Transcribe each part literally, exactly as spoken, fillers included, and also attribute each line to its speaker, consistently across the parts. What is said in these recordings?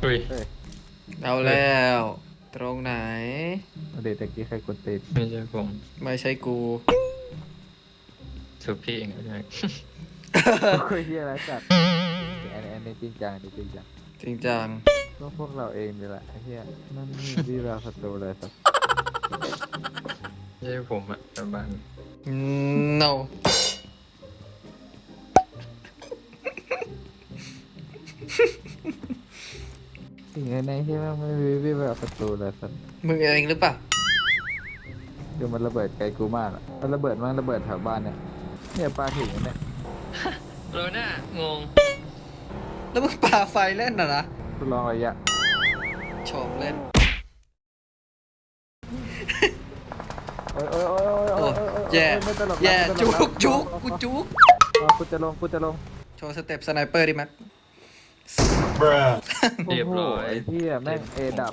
Speaker 1: เฮ้ย
Speaker 2: เฮ้ย
Speaker 3: เอาแล้วตรงไหน
Speaker 2: เดี๋ยวตะกี้ใครกดติด
Speaker 1: ไม่ใช่ผม
Speaker 3: ไม่ใช่กู
Speaker 1: สุพี่เองไม่ใช่
Speaker 2: คุยเฮียอะไรสัตว์อันนี้อันนี้จริงจังอันนี้จริงจัง
Speaker 3: จริงจัง
Speaker 2: ก็พวกเราเองนี่แหละไอ้เฮียนั่นนี่ที่เราศัตรูเลยสัตว์
Speaker 1: ไม่ใช่ผมอะแต่บ้าน
Speaker 3: no
Speaker 2: สิ่งในที่ว่าไม่มีที่เราศัตรูเลยสัตว์
Speaker 3: มึงเองหรือเปล่า
Speaker 2: คือมันระเบิดไกลกูมากอ่ะมันระเบิดมันระเบิดแถวบ้านเนี่ยเนี่ยปลาถึงเนี่ย
Speaker 1: โรน่างง
Speaker 3: แล้วมึงปาไฟเล่นน่ะนะ
Speaker 2: ทดลองระยะ
Speaker 3: ชมเล่น
Speaker 2: โอ้ยโอ้ยโอ้ยโอ้ย
Speaker 3: โอ้
Speaker 2: โอ้ยโอ้ย
Speaker 3: แย่
Speaker 2: ไม่ตลก
Speaker 3: แย่
Speaker 2: ไม่ต
Speaker 3: จุ
Speaker 2: ล
Speaker 3: กจุกกูจุก
Speaker 2: อ๋อกูจะลงกูจะลง
Speaker 3: โชว์สเต็ปสไนเปอร์ดิแม็ก
Speaker 1: เรียบร้อย
Speaker 2: โโหไอ้เหี้ยแม่งเอดับ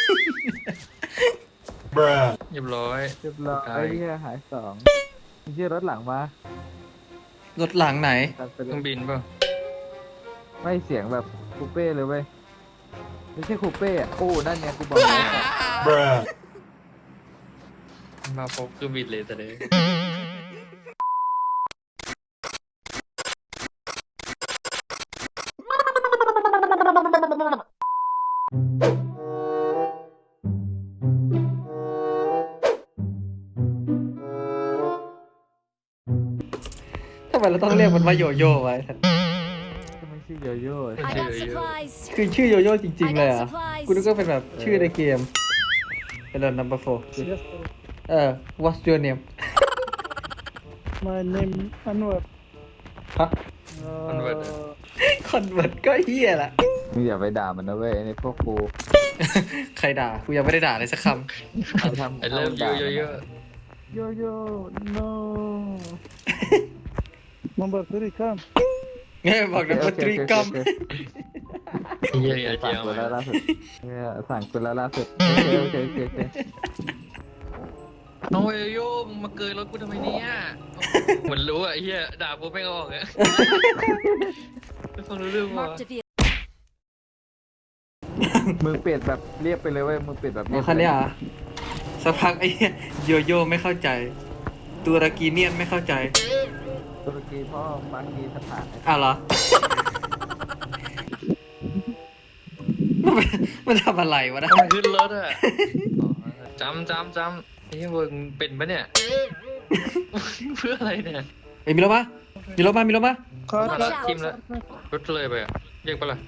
Speaker 1: เรียบร้อย
Speaker 2: เรียบร้อย
Speaker 1: ตา
Speaker 2: ไอ้
Speaker 1: ย
Speaker 2: เหี้ยหายสองไอ้เหี้ยรถหลังมาร
Speaker 3: ถหลังไหน
Speaker 2: ตัดไป
Speaker 1: เค
Speaker 2: เล
Speaker 1: รื่อง
Speaker 2: ย
Speaker 1: บินเปล่า
Speaker 2: ไม่เสียงแบบคูเป้เลยเว้ยไม่ใช่คูเป้อะโอ้นั่นไงกูบอกแล้ว
Speaker 1: มาพบเครื่องบินเลยแต่เด้
Speaker 3: ทำไมเราต้องเรียกมันว่าโยโย่ไว้
Speaker 2: ก็ไม่ใช่โยโย่
Speaker 1: ไม่
Speaker 4: I
Speaker 1: ใช่
Speaker 4: got
Speaker 1: เยอะ
Speaker 4: supplies.
Speaker 3: คือชื่อโยโย่จริง ๆ เลย
Speaker 4: I
Speaker 3: อ่ะ
Speaker 4: got supplies.
Speaker 3: กูนึกว่าเป็นแบบชื่อในเกมเป็นเรื่อง number four เออ what's your name
Speaker 5: My name Anwar.
Speaker 3: ฮะ
Speaker 1: มันเวิร์ดอะ
Speaker 3: convert ก็เฮียละ
Speaker 2: มึงอย่าไปด่ามันนะเว้ยไอ้นี่พวกกู
Speaker 3: ใครด่า กูยังไม่ได้ด่าเลยสักค
Speaker 2: เอาทำ
Speaker 1: ไอเริ่มเยอะเยอะเยอะ
Speaker 2: โยโย่ no
Speaker 5: Number three, come.
Speaker 3: ำเนี่ยบอกนะว่าตรีกรรม
Speaker 1: เยอะเยอะ
Speaker 2: สั่ง
Speaker 1: เยอะ
Speaker 2: กูแล้ว
Speaker 1: มา
Speaker 2: ล่าสุดเนี่ยสั่งกูแล้วล่าสุดโอเคโอเคโอเคโอเค
Speaker 1: โอ้ยโยมึงมาเกยรถกูทำไมเนี่ยเหมือนรู้อะไอ้เหี้ยด่ากูไม่ออกอะไม่ฟังรู้เรื่องวะ
Speaker 4: Marked a vehicle.
Speaker 2: มึงเปลี่ยนแบบเรียบไปเลยเว้ยมึงเปลี่ยนแบบ
Speaker 3: อ๋อคันเนี้ยเหรอสักพักไอ้เหี้ยโยโย่ไม่เข้าใจตุรกีเนียนไม่เข้าใจ
Speaker 2: ตุรกีพ่อปากีสถาน
Speaker 3: อ้าวเหรอ มันมันทำอะไรวะนะ
Speaker 1: มันขึ้นรถอะจำจำจำไอ้เหี้ยมึงเป็นปะเนี่ย เพื่ออะไรเนี่ย
Speaker 3: เอ้ยมีรถมามีรถมามีรถมา
Speaker 5: Car,
Speaker 1: Watch
Speaker 5: car,
Speaker 1: out. Team
Speaker 5: car,
Speaker 1: left.
Speaker 5: car.
Speaker 1: รถเลยไปอะเรียกปะล่ะ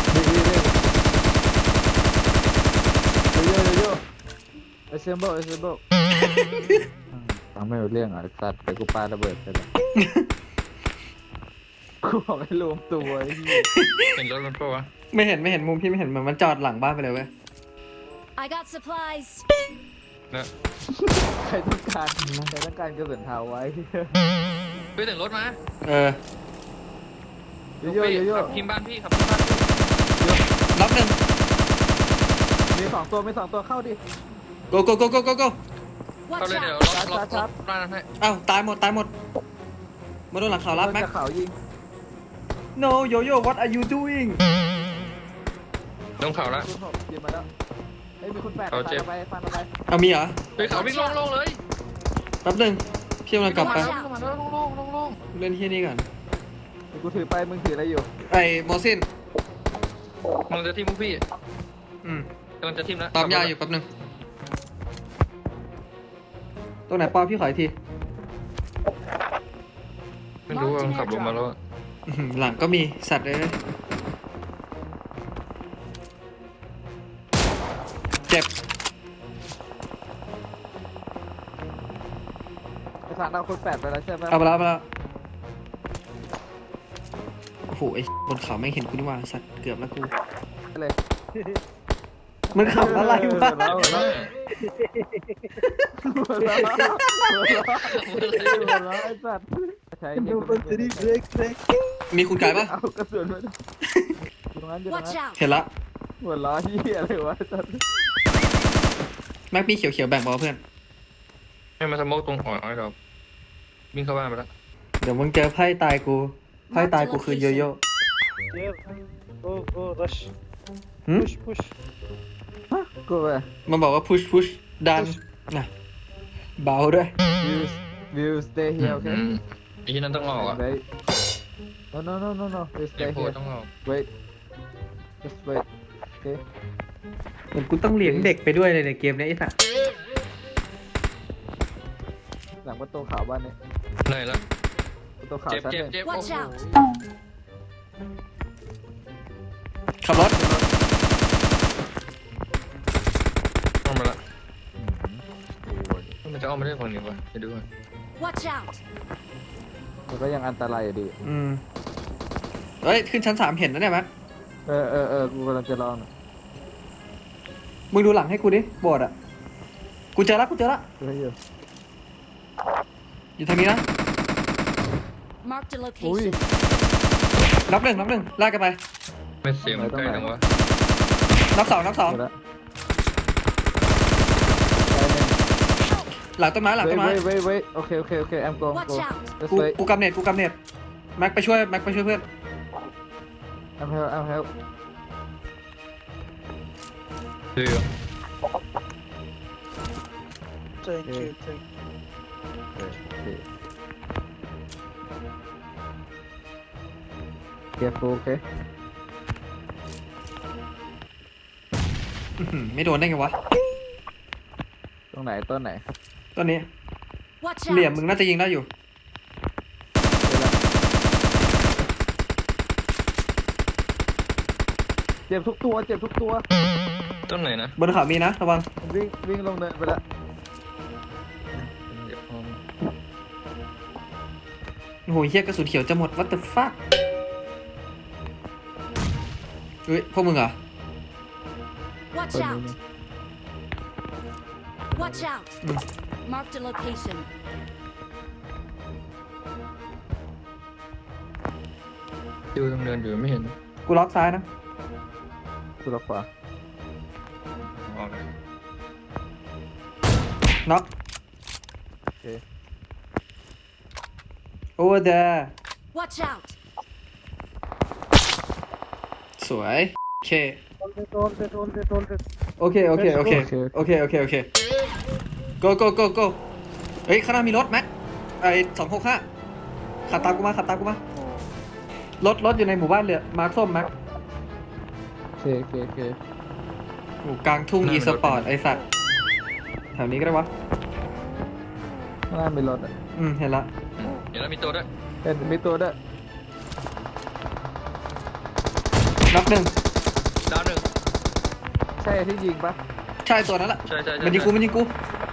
Speaker 2: โยโย่โยโย่เอเซมเบิลเอเซมเบิลฟังไม่รู้เรื่องอ่ะไอ้สัตว์แต่กูปาระเบิดไปแล้วกูบอกให้รวมตัวไอ้เหี้ย
Speaker 1: เห็นรถมันปะวะ
Speaker 3: ไม่เห็นไม่เห็นมุมพี่ไม่เห็นเหมือนมันจอดหลังบ้านไปเลยเว้ย
Speaker 4: I got supplies.
Speaker 1: นะ
Speaker 2: ใครต้องการใครต้องการกระสุนเทาไว้
Speaker 1: ไปถึงรถมา
Speaker 3: เออ
Speaker 2: โยโย่โยโย่
Speaker 1: ขับทีมบ้านพี่ขับทีมบ้านพี่
Speaker 3: รับหนึ่ง
Speaker 2: มีสองตัวมีสองตัวเข้าดิ
Speaker 3: go go go go go go
Speaker 1: เข้า
Speaker 4: Watch
Speaker 1: เลยเดี๋ยว
Speaker 4: out.
Speaker 1: ล็อกล็อก
Speaker 2: ครั
Speaker 1: ล็อบ กบ้านนั้นให้
Speaker 3: อ้าวตายหมดตายหมดมาโดนหลังเขารับแม็ก
Speaker 2: จะเขายิง
Speaker 3: no yo yo what are you doing
Speaker 1: ลงเขาละ
Speaker 2: คุณหกยิงมาแล้วเฮ้ยมีคุณแปด
Speaker 1: เขาเจ็บ
Speaker 2: ฟันไปฟันไป
Speaker 3: เอามีเหรอ
Speaker 1: ไปเขาวิ่งลงๆเลย
Speaker 3: แป๊บหนึงพี่กำลังกลับไป
Speaker 1: ลงมาแล้วลงๆลงๆลง
Speaker 3: เล่นที่นี่ก่อน
Speaker 2: เดี๋ยวกูถือไปมึงถืออะไรอยู่
Speaker 3: ไอ้โมซิน
Speaker 1: ๆมันจะทีมพวกพี่
Speaker 3: อืม
Speaker 1: กำลังจะทีมแล้ว
Speaker 3: ปั๊มยาอยู่แป๊บหนึงตรงไหนปอพี่ขออีกที
Speaker 1: ไม่รู้ว่ามันขับลงมาแล้วอะ
Speaker 3: อื้อหือหลังก็มีสัตว์เลยเจ็บ
Speaker 2: ไอ้สารเอาคุณแปดไปแล้วใช่ไหม
Speaker 3: เอาไปแล้วเอาไปแล้วโอ้โหไอ้บนเขาไม่งเห็นกูนี่หว่าสัตว์เกือบแล้วกู
Speaker 2: เลย
Speaker 3: มันขับอะไรวะ
Speaker 2: หัวเราะหัวเราะหัวเราะหัวเราะไอ้สัตว์ใช้ยิง
Speaker 5: Number three, break, break.
Speaker 3: มีคุณกายปะ
Speaker 2: เอากระสุนมาดูตรงนั้นอยู่ตรง
Speaker 4: Watch
Speaker 2: นั้น
Speaker 4: out.
Speaker 3: เห็นละ
Speaker 2: หัวเราะเหี้ยอะไรวะไอ้สัตว์
Speaker 3: แม็กมีเขียวๆแบ่งบอลเพื่อน
Speaker 1: ให้มาสโมกตรงอ่อยๆเราวิ่งเข้าบ้านไปแล้ว
Speaker 3: เดี๋ยวมึงเจอไพ่ตายกูไพ่ตายกูคือโยโย่
Speaker 5: Here. Go, go, rush.
Speaker 3: หืม
Speaker 5: Push, push.
Speaker 2: ฮะกูไป
Speaker 3: มันบอกว่า push push ดันนะเบาด้วย
Speaker 2: will will stay
Speaker 1: อื
Speaker 2: here
Speaker 1: ม
Speaker 2: okay
Speaker 1: ไอ้ที่นั่นต้องออกอ่ะ
Speaker 2: wait no no no no no will
Speaker 1: ไอ้
Speaker 2: stay
Speaker 1: โพ
Speaker 2: here
Speaker 1: ต้องออก
Speaker 2: wait just wait okay
Speaker 3: เหมือนกูต้องเลี้ยงเด็กไปด้วยเลยในเกมเนี้ยไอ้สัส
Speaker 2: หลังประตูขาวบ้านนี้
Speaker 1: เหนื่อยแล้ว
Speaker 2: ประตูขาว
Speaker 1: เจ็บ
Speaker 2: ชั้น
Speaker 1: เจ็
Speaker 2: ห
Speaker 1: บ
Speaker 2: นึ่ง
Speaker 1: เจ็บ
Speaker 4: Watch
Speaker 1: โอ้
Speaker 4: out
Speaker 1: โห
Speaker 3: ขับรถ
Speaker 1: เอามาละ
Speaker 2: โอ้ย
Speaker 1: มันจะเอาไม่ได้ฝั่งนี้วะไปดูก่อน
Speaker 4: Watch out!
Speaker 2: มันก็ยังอันตรายอยู่ดี
Speaker 3: อืมเฮ้ย ขึ้นชั้นสามเห็นนะเนี่ยแม็ก
Speaker 2: เออเออเออกูกำลังจะลอง
Speaker 3: มึงดูหลังให้กูดิโบสถ์อ่ะ กูเจอละกูเจอละ
Speaker 2: เฮ้ยอยู่
Speaker 3: อยู่ทางนี้นะ
Speaker 4: Marked a
Speaker 2: Ui.
Speaker 4: location.
Speaker 3: นับหนึ่งนับหนึ่งลากกันไป
Speaker 1: ไม่เสียงมันใกล้จังวะ
Speaker 3: นับสองนับสอง
Speaker 2: หมดละ
Speaker 3: หลังต้นไม้หลัง
Speaker 2: เว้
Speaker 3: ต้
Speaker 2: ย
Speaker 3: นไม้
Speaker 2: เว้ยเว้ยเว้ยโอเคโอเคโอเค I'm going
Speaker 4: Watch
Speaker 2: go
Speaker 4: out.
Speaker 2: just
Speaker 3: กู
Speaker 2: wait
Speaker 3: กูกำเน็ตกูกำเน็ตแม็กไปช่วยแม็กไปช่วยเพื่อน
Speaker 2: I'm help I'm help
Speaker 1: เดือ
Speaker 5: Thank
Speaker 2: Yeah.
Speaker 5: you, thank you.
Speaker 2: โอเค careful โอเค
Speaker 3: อื้อหือไม่โดนได้ไงวะ
Speaker 2: ตรงไหนต้นไหน
Speaker 3: ต้นนี้
Speaker 4: Watch
Speaker 3: เหลี่ยม
Speaker 4: out!
Speaker 3: มึงน่าจะยิงได้อยู่
Speaker 2: เจ็บทุกตัวเจ็บทุกตัว
Speaker 1: ต้นไหนนะ
Speaker 3: บนเขามีนะระวัง
Speaker 2: วิ่งวิ่งลงเนินไปละ
Speaker 1: เดี๋ยวพอ
Speaker 3: โอ้โหเฮียกระสุนเขียวจะหมด what the fuck เฮ้ยพวกมึงเหรอ
Speaker 4: Watch
Speaker 2: ต้นนี้
Speaker 4: out!
Speaker 2: นะ
Speaker 4: Watch out!
Speaker 3: Mm.
Speaker 4: Marked a location.
Speaker 1: ดูตรงเนินอยู่ไม่เห็น
Speaker 3: กูล็อกซ้ายนะ
Speaker 2: กูรับขวา
Speaker 1: ออกเลย
Speaker 3: น็อก
Speaker 2: โอเค
Speaker 3: over there
Speaker 4: Watch out!
Speaker 3: สวยโอเค
Speaker 5: Hold it, hold it, hold it, hold it.
Speaker 3: โอเค โอเค โอเค โอเค โอเค โอเค go go go go เฮ้ยข้างหน้ามีรถแม็กไอสองหกห้าขับตามกูมาขับตามกูมา รถรถอยู่ในหมู่บ้านเลยมาร์คส้มแม็ก
Speaker 2: โอเคโอเคโอเค
Speaker 3: โอ้กลางทุ่งอีสปอร์ตไอสัตว์แถวนี้ก็ได้วะ
Speaker 2: ข้างหน้ามีรถอ่ะ
Speaker 3: อืม เห็นละ
Speaker 1: อืมเดี๋ยวเรามีตัวด้วย
Speaker 2: เห็นมีตัวด้วย
Speaker 3: น็อกหนึ่ง
Speaker 1: ดาวหนึ่ง
Speaker 2: ใช่ที่ยิงปะ
Speaker 3: ใช่ตัวนั้นแหละ
Speaker 1: ใช่ใช่ใช่
Speaker 3: มันยิงกูมันยิงกู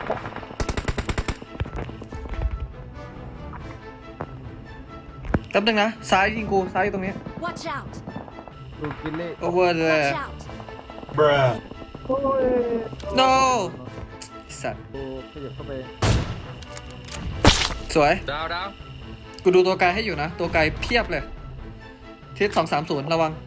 Speaker 3: แป๊บนึงนะ ซ้ายยิงกู ซ้ายอยู่ตรงนี้
Speaker 4: Watch out!
Speaker 2: ดูกินเล่
Speaker 3: over there
Speaker 4: Watch out!
Speaker 3: no ไอ้สัตว์
Speaker 2: กูขยับเข้าไป
Speaker 3: สวย
Speaker 1: ดาวดาว
Speaker 3: กูดูตัวไกลให้อยู่นะ ตัวไกลเพียบเลยทิศสองสามศูนย์ระวัง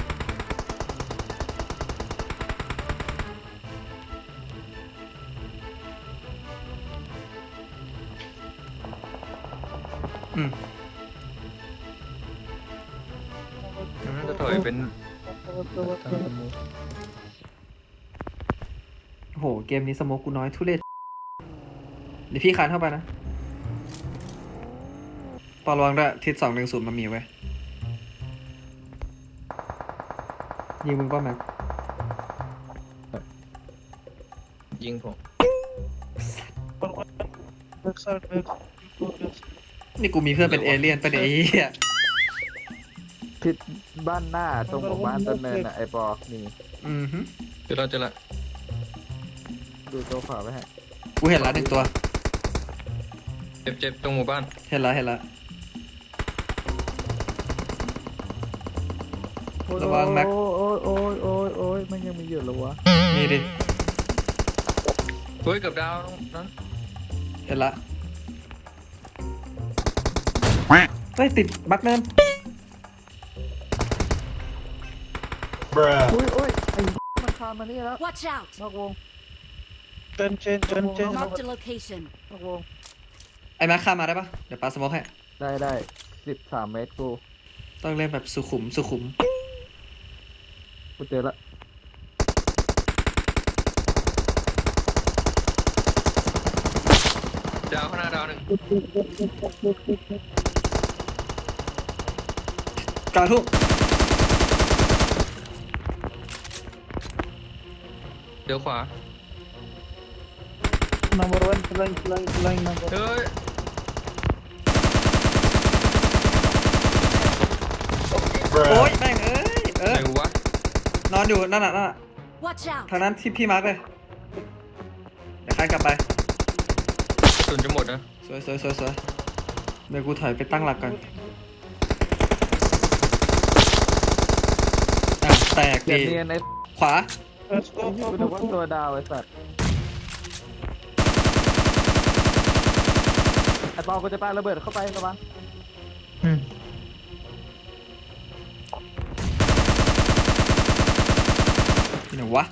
Speaker 3: อืม
Speaker 1: มันจะถอยเป็น
Speaker 3: โอ้โห เกมนี้สโมกกูน้อยทุเรศเดี๋ยวพี่คานเข้าไปนะปอระวังด้วยทิศสองหนึ่งศูนย์มันมีไว้ยยิงมึงป่ะแม็ก
Speaker 1: ยิงผม
Speaker 5: Back side, back. Go back.
Speaker 3: นี่กูมีเพื่อนเป็นเอเลี่ยนเป็นไอ้เหี้ย
Speaker 2: ทิศบ้านหน้าตรงหมู่บ้านต้นเนินอ่ะไอปอนี่
Speaker 3: อือฮึ
Speaker 1: เดี๋ยวเราจะละ
Speaker 2: ดูตัวขวาไปให้
Speaker 3: กูเห็นละหนึ่งตัว
Speaker 1: เจ็บเจ็บตรงหมู่บ้าน
Speaker 3: เห็นละเห็นละ ระวังแม็ก
Speaker 2: โอ้ยโอ้ยโอ้ยโอ้ยมันยังมีอยู่เหรอวะ
Speaker 3: นี่ดิ
Speaker 1: เฮ้ยกับดาวนั้น
Speaker 3: เห็นละเฮ้ยติดบักเนิน
Speaker 2: อุ้ยอุ้ยไอ้มันคานมานี่แล้ว
Speaker 4: Watch out!
Speaker 2: นอกวง
Speaker 5: Turn change, turn change.
Speaker 4: Marked a location.
Speaker 2: นอกวง
Speaker 3: ไอ้แม็กข้ามมาได้ปะเดี๋ยวปาสโมกให้
Speaker 2: ได้ได้สิบสามเมตรกู
Speaker 3: ต้องเล่นแบบสุขุมสุขุม
Speaker 2: กูเจอละ
Speaker 1: ดาวข้างหน้าดาวหนึ่ง
Speaker 3: กลางทุ่ง
Speaker 1: เดี๋ยวขวา
Speaker 5: Number one flying, flying, flying number.
Speaker 1: เฮ้ย
Speaker 3: โอ้ยแม่งเอ้ยเออ
Speaker 1: ไหนวะ
Speaker 3: นอนอยู่นั่นน่ะนั่นน่ะ
Speaker 4: Watch out!
Speaker 3: ทางนั้นที่พี่มาร์กเลยเดี๋ยวข้ากลับไป
Speaker 1: กระสุนจะหมดนะ
Speaker 3: สวยสวยสวยสวยเดี๋ยวกูถอยไปตั้งหลักก่อนอ่ะแตก
Speaker 2: เกีย
Speaker 3: ดี
Speaker 2: ร์เนียนไอ้
Speaker 3: ขวา
Speaker 5: Let's go,
Speaker 2: กู
Speaker 5: go,
Speaker 2: นึ
Speaker 5: go,
Speaker 2: กว่า
Speaker 5: go.
Speaker 2: ตัวดาวไอ้สัตว์ไอ้ปอกูจะปาระเบิดเข้าไประวัง
Speaker 3: ที่ไหนวะ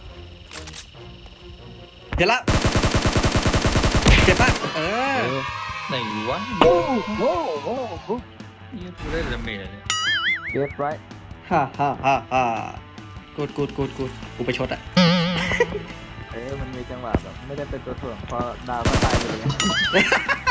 Speaker 3: เห็นละเจ็บมากเออ
Speaker 1: ไหนวะ
Speaker 5: Whoa, whoa, whoa, whoa.
Speaker 1: นี่กูได้ดาเมจเลยเนี่ย
Speaker 2: เก็บไร
Speaker 3: ฮ่าฮ่าฮ่าฮ่ากูดกูดกูดกูดกูไปชดอ่ะ
Speaker 2: เออมันมีจังหวะแบบไม่ได้เป็นตัวถ่วงพอดาวก็ตายไปเลย